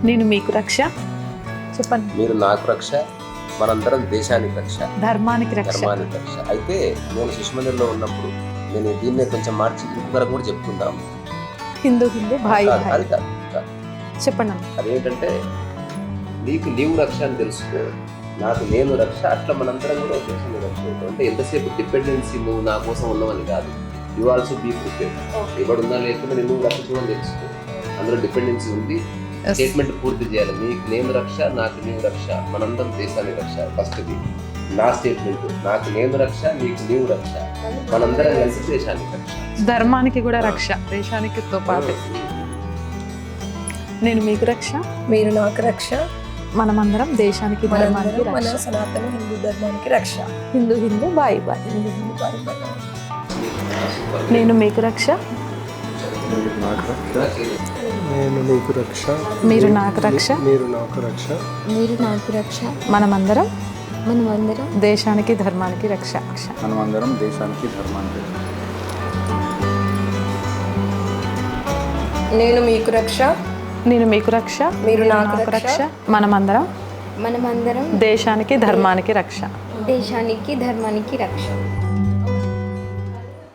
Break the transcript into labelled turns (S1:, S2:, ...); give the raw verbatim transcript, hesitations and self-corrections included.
S1: నేను మీకు రక్ష. చెప్పండి.
S2: మీరు నాకు రక్ష, మనందరం దేశానికి రక్ష,
S1: ధర్మానికి రక్ష.
S2: ధర్మానికి రక్ష. అయితే నేను శిశుమందిర్లో ఉన్నప్పుడు నేను దీన్నే కొంచెం మార్చి ఇంకొకరు కూడా చెప్పుకుందాం.
S1: హిందూ హిందూ భాయి
S2: కాదు,
S1: భాయి.
S2: అది కాదు, కాదు.
S1: చెప్పండి అన్న.
S2: అదేంటంటే నీకు నీవు రక్ష అని తెలుసుకో, నాకు నేను రక్ష, అట్లా మనందరం కూడా ఒక దేశంలో రక్ష అవుతాం. అంటే ఎంతసేపు డిపెండెన్సీ నువ్వు నా కోసం ఉన్నావని కాదు, యు ఆల్సో బీ ప్రిపేర్డ్. ఎవడున్నా లేకుండా నేను రక్షించమని తెలుసుకో, అందులో డిపెండెన్సీ ఉంది. స్టేట్మెంట్ పూర్తి చేయాలి. నీకు నేను రక్ష, నాకు నీవు రక్ష, మనందరం దేశానికి రక్ష. ఫస్ట్ది నా స్టేట్మెంట్, నాకు నేను రక్ష, నీకు నీవు రక్ష, మనందరం కలిసి దేశానికి రక్ష.
S1: ధర్మానికి కూడా రక్ష, దేశానికి తో పాటు. నేను మీకు రక్ష,
S3: మీరు నాకు రక్ష,
S1: మనమందరం దేశానికి ధర్మానికి
S3: మనందరం మన
S1: రక్ష.
S3: సనాతన హిందూ ధర్మానికి రక్ష.
S1: హిందూ హిందూ భాయి భాయి.
S3: హిందూ హిందూ భాయి భాయి.
S1: నేను మీకు రక్ష,
S4: నేను నీకు రక్ష,
S1: మీరు నాకు రక్ష,
S4: మీరు నాకు రక్ష,
S5: మీరు నాకు రక్ష,
S1: మనమందరం
S5: మనమందరం
S1: దేశానికి ధర్మానికి రక్ష.
S4: మనమందరం దేశానికి ధర్మానికి రక్ష.
S3: నేను మీకు రక్ష,
S1: నేను మీకు రక్ష,
S3: మీరు నాకు రక్ష,
S1: మనమందరం
S5: మనమందరం
S1: దేశానికి ధర్మానికి రక్ష.
S5: దేశానికి ధర్మానికి రక్ష.